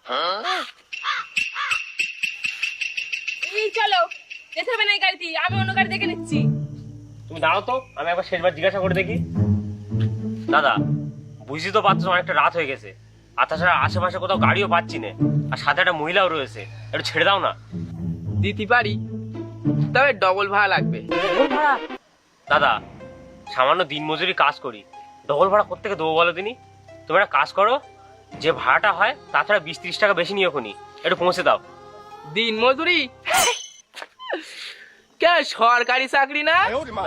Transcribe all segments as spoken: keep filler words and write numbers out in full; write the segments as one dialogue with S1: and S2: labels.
S1: এই চলো, যেতে হবে না এই গাড়িতে, আমি অন্য গাড়ি দেখে নিচ্ছি।
S2: তুমি দাঁড়াও তো, আমি একবার শেষবার জিজ্ঞাসা করে দেখি। দাদা, বুঝি তো পাচ্ছ অনেকটা রাত হয়ে গেছে, আর তাছাড়া আশেপাশে কোথাও গাড়িও পাচ্ছি না, আর সাথে একটা মহিলাও রয়েছে, একটু ছেড়ে দাও না।
S3: দিতে পারি, তবে ডবল ভাড়া লাগবে।
S2: দাদা, সামান্য দিন মজুরি কাজ করি, ডবল ভাড়া কোত্থেকে দেবো বলো দিনই? তুমি একটা কাজ করো, যে ভাড়াটা হয় তাছাড়া বিশ ত্রিশ টাকা বেশি নিয়ে খুনি, একটু পৌঁছে দাও।
S3: দিন মজুরি? কে সরকারি চাকরি না?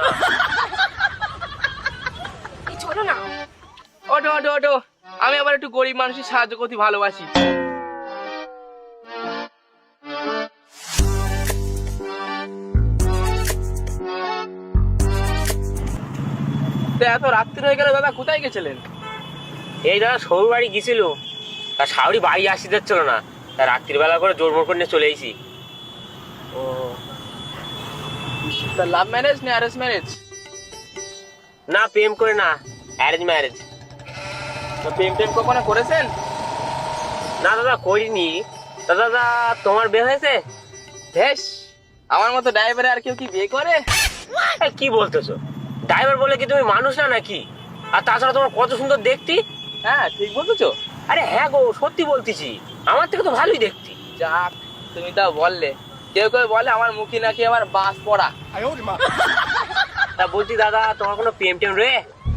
S1: এই চলো না।
S3: ওটো ওটো ওটো, আমি আবার একটু গরিব মানুষের সাহায্য করতে ভালোবাসি। তা এত রাত্রি হয়ে গেল দাদা, কোথায় গেছিলেন?
S2: এই দাদা সৌর বাড়ি গেছিল, তার শাওরি বাড়ি আসি যাচ্ছিল না, তা রাত্রিবেলা করে জোর মোর করে নিয়ে চলে এসেছি।
S3: ও, তা লাভ ম্যারেজ না অ্যারেঞ্জ ম্যারেজ?
S2: না, প্রেম করে না, অ্যারেঞ্জ ম্যারেজ।
S3: তো প্রেম টেম কখনো করেছেন?
S2: না দাদা, করিনি। তা দাদা, তোমার বিয়ে হয়েছে?
S3: বেশ, আমার মতো ড্রাইভারে আর কেউ কি বিয়ে করে?
S2: এই কি বলতেছো? ড্রাইভার বলে কি তুমি মানুষ না নাকি? আর তাছাড়া তোমার কত সুন্দর দেখতি।
S3: হ্যাঁ, ঠিক বলতেছো।
S2: আরে হ্যাঁ গো, সত্যি বলতেছি, আমার থেকে তো ভালোই দেখতি।
S3: যাক, তুমি তা বললে। কেউ কেউ বলে আমার মুখে নাকি আমার বাস পড়া।
S2: তা বলছি দাদা, তোমার কোনো প্রেম টেম রে?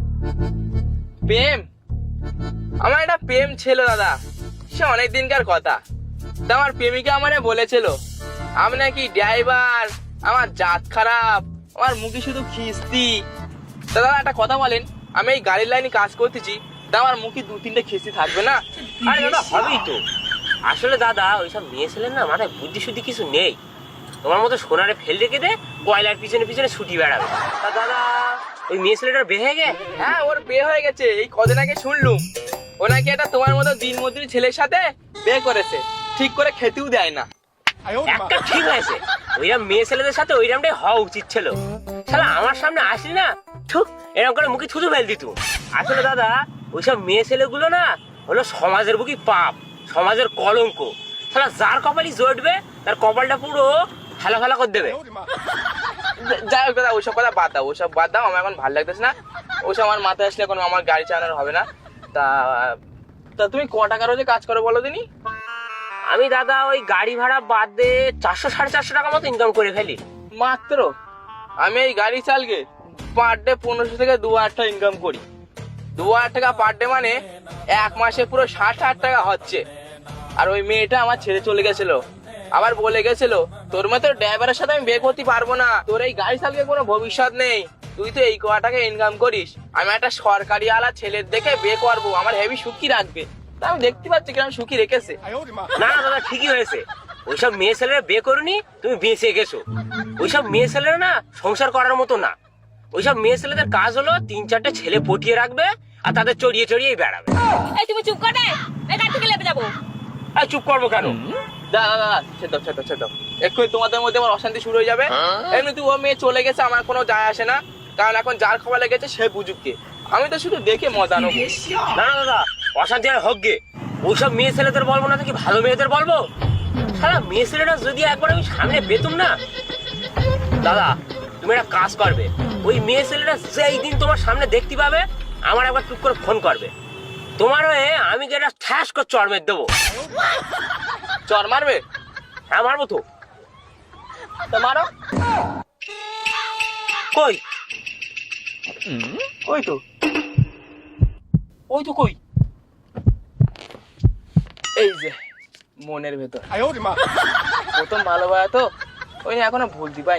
S3: প্রেম? আমার একটা প্রেম ছিল দাদা, সে অনেক দিনকার কথা। তা আমার প্রেমিকা আমারে বলেছিল আমি নাকি ড্রাইভার, আমার জাত খারাপ, আমার মুখে শুধু খিস্তি। তা দাদা একটা কথা বলেন, আমি এই গাড়ির লাইনে কাজ করতেছি, তা আমার মুখে দু তিনটে খিস্তি থাকবে না?
S2: আরে দাদা, হবেই তো। আসলে দাদা, ওইসব মেয়ে ছেলের না মাথায় বুদ্ধি শুদ্ধি কিছু নেই। তোমার মতো সোনারে ফেল রেখে দে, কয়লার পিছনে পিছনে ছুটি বেড়াবে। তা দাদা, ওই মেয়ে ছেলেটার বিয়ে হয়ে গে?
S3: হ্যাঁ, ওর বিয়ে হয়ে গেছে, এই কদিন আগে শুনলুম। ও নাকি একটা তোমার মতো দিন মজুরি ছেলের সাথে বিয়ে করেছে, ঠিক করে খেতেও দেয় না।
S2: একটা ঠিক হয়েছে, ওইরকম মেয়ে ছেলেদের সাথে ওইরকমটাই হওয়া উচিত ছিল। শালা আমার সামনে আসলি না, ঠিক এরকম করে মুখে থুতু ফেল দিত। আসলে দাদা, ওইসব মেয়ে ছেলেগুলো না হলো সমাজের বুকি পাপ, সমাজের কলঙ্ক। শালা যার কপালই জড়বে তার কপালটা পুরো ফেলা ফেলা করে দেবে।
S3: যাই হোক দাদা, ওইসব কথা বাদ দাও, ওইসব বাদ দাও, আমার এখন ভালো লাগতেছে না। ওইসব আমার মাথায় আসলে এখন আমার গাড়ি চালানোর হবে না। তা তা তুমি ক টাকা রোজে কাজ করো বলো দিনি?
S2: আমি দাদা ওই গাড়ি ভাড়া বাদ দিয়ে চারশো সাড়ে চারশো টাকা মতো ইনকাম করে ফেলি।
S3: মাত্র? আমি এই গাড়ি চালকে পার ডে পনেরোশো থেকে দু হাজার টাকা ইনকাম করি। দু হাজার টাকা পার ডে মানে এক মাসে পুরো ষাট হাজার টাকা হচ্ছে। আর ওই মেয়েটা আমার ছেড়ে চলে গেছিল, আবার বলে গেছিল তোর মতো ড্রাইভারের সাথে আমি বিয়ে করতে পারবো না, তোর এই গাড়ি চালকে কোনো ভবিষ্যৎ নেই, তুই তো এই কটা টাকা ইনকাম করিস, আমি একটা সরকারি আলা ছেলের দেখে বিয়ে করবো, আমার হেভি সুখী রাখবে। তা আমি দেখতে পাচ্ছি কিরকম সুখী রেখেছে।
S2: না না দাদা, ঠিকই হয়েছে। ওইসব মেয়ে ছেলেরা বিয়ে করুনি, তুমি বেঁচে গেছো। ওইসব মেয়ে ছেলেরা না সংসার করার মতো না। ওইসব মেয়ে ছেলেদের কাজ হলো তিন চারটে ছেলে পটিয়ে রাখবে আর তাদের চড়িয়ে চড়িয়ে বেড়াবে।
S1: এই তুমি চুপ করে, এই গাড়ি থেকে লেপে যাবো।
S2: আর চুপ করবো কেন?
S3: দাদা দাদা, ছেদ ছেদ ছেদ, এক্ষুনি তোমাদের মধ্যে আমার অশান্তি শুরু হয়ে যাবে। এমনি তুই ও মেয়ে চলে গেছে, আমার কোনো যায় আসে না, কারণ এখন যার খবর লেগেছে সে বুঝুক কে, আমি তো শুধু দেখে মজা নেবো।
S2: না না দাদা, অশান্তি আর হোক গে। ওইসব মেয়ে ছেলেদের বলবো না, কি ভালো মেয়েদের বলবো? সারা মেয়ে ছেলেটা যদি একবার আমি সামনে পেতুম না দাদা, তুমি একটা কাজ করবে, ওই মেয়ে ছেলেটা যেই দিন তোমার সামনে দেখতে পাবে আমার একবার টুক করে ফোন করবে, তোমার হয়ে আমি কি একটা ঠ্যাস করে চড় মেরে দেবো।
S3: চর মারবে?
S2: হ্যাঁ মারবো তো।
S3: তা মারো।
S2: কই?
S3: ওই তো
S2: ওই তো কই?
S3: এই যে মনের ভেতর। প্রথম ভালোবাসা তো, ওই এখনো ভুলতে পাই।